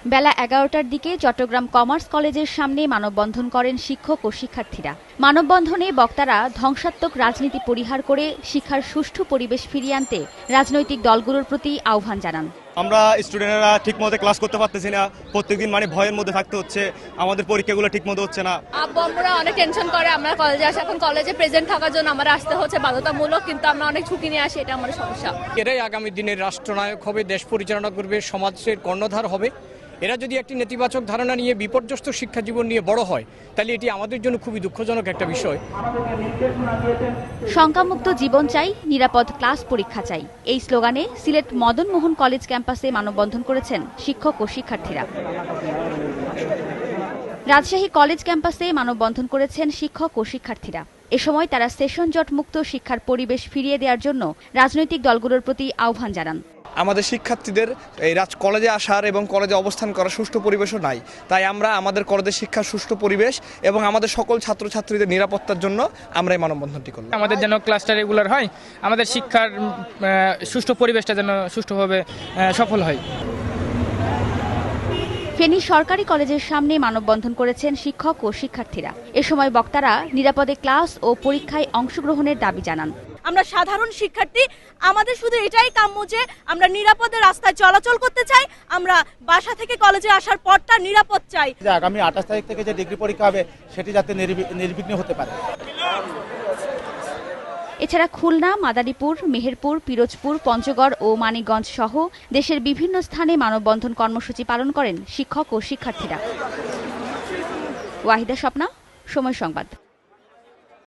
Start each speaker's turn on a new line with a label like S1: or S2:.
S1: বেলা ১১টার দিকে চট্টগ্রাম কমার্স কলেজের সামনে মানববন্ধন করেন শিক্ষক ও শিক্ষার্থীরা। মানববন্ধনে বক্তারা ধ্বংসাত্মক রাজনীতি পরিহার করে শিক্ষার সুষ্ঠু পরিবেশ ফিরিয়ে আনতে রাজনৈতিক দলগুলোর প্রতি আহ্বান জানান।
S2: আমরা স্টুডেন্টরা ঠিকমতো ক্লাস করতে পারতেছি না, প্রত্যেকদিন ভয়ের মধ্যে থাকতে হচ্ছে, আমাদের পরীক্ষাগুলো ঠিকমতো হচ্ছে না।
S3: আব্বু আম্মুরা অনেক টেনশন করে আমরা কলেজে আসি, এখন কলেজে প্রেজেন্ট থাকার জন্য আমরা আসতে হচ্ছে বাধ্যতামূলক, কিন্তু আমরা অনেক ঝুঁকি নিয়ে আসি, এটা আমাদের সমস্যা।
S4: এরাই আগামী দিনের রাষ্ট্রনায়ক হবে, দেশ পরিচালনা করবে, সমাজের কর্ণধার হবে। এরা যদি একটি নেতিবাচক ধারণা নিয়ে বিপর্যস্ত শিক্ষা জীবন নিয়ে বড় হয়, তাহলে এটি আমাদের জন্য খুবই দুঃখজনক একটা বিষয়।
S1: শঙ্কামুক্ত জীবন চাই, নিরাপদ ক্লাস পরীক্ষা চাই, এই স্লোগানে সিলেট মদন মোহন কলেজ ক্যাম্পাসে মানববন্ধন করেছেন শিক্ষক ও শিক্ষার্থীরা। রাজশাহী কলেজ ক্যাম্পাসে মানববন্ধন করেছেন শিক্ষক ও শিক্ষার্থীরা। এ সময় তারা সেশন জট মুক্ত শিক্ষার পরিবেশ ফিরিয়ে দেওয়ার জন্য রাজনৈতিক দলগুলোর প্রতি আহ্বান জানান।
S5: আমাদের শিক্ষার্থীদের এই কলেজে আসার এবং কলেজে অবস্থান করার সুষ্ঠু পরিবেশও নাই, তাই আমরা আমাদের কলেজের শিক্ষার সুষ্ঠু পরিবেশ এবং আমাদের সকল ছাত্রছাত্রীদের নিরাপত্তার জন্য আমরা এই মানববন্ধনটি করলাম।
S6: আমাদের যেন ক্লাসটা রেগুলার হয়, আমাদের শিক্ষার সুষ্ঠু পরিবেশটা যেন সুষ্ঠুভাবে সফল হয়।
S1: ফেনী সরকারি কলেজের সামনে মানববন্ধন করেছেন শিক্ষক ও শিক্ষার্থীরা। এ সময় বক্তারা নিরাপদে ক্লাস ও পরীক্ষায় অংশগ্রহণের দাবি জানান।
S7: আমরা সাধারণ শিক্ষার্থী, আমাদের শুধু এটাই কাম্য যে আমরা নিরাপদে রাস্তায় চলাচল করতে চাই, আমরা বাসা থেকে কলেজে আসার পথটা নিরাপদ চাই।
S8: আগামী 28 তারিখ থেকে যে ডিগ্রি পরীক্ষা হবে সেটি যাতে নির্বিঘ্ন হতে পারে।
S1: এছাড়া খুলনা, মাদারীপুর, মেহেরপুর, পিরোজপুর, পঞ্চগড় ও মানিকগঞ্জ সহ দেশের বিভিন্ন স্থানে মানববন্ধন কর্মসূচি পালন করেন শিক্ষক ও শিক্ষার্থীরা। ওয়াহিদা স্বপ্না, সময় সংবাদ।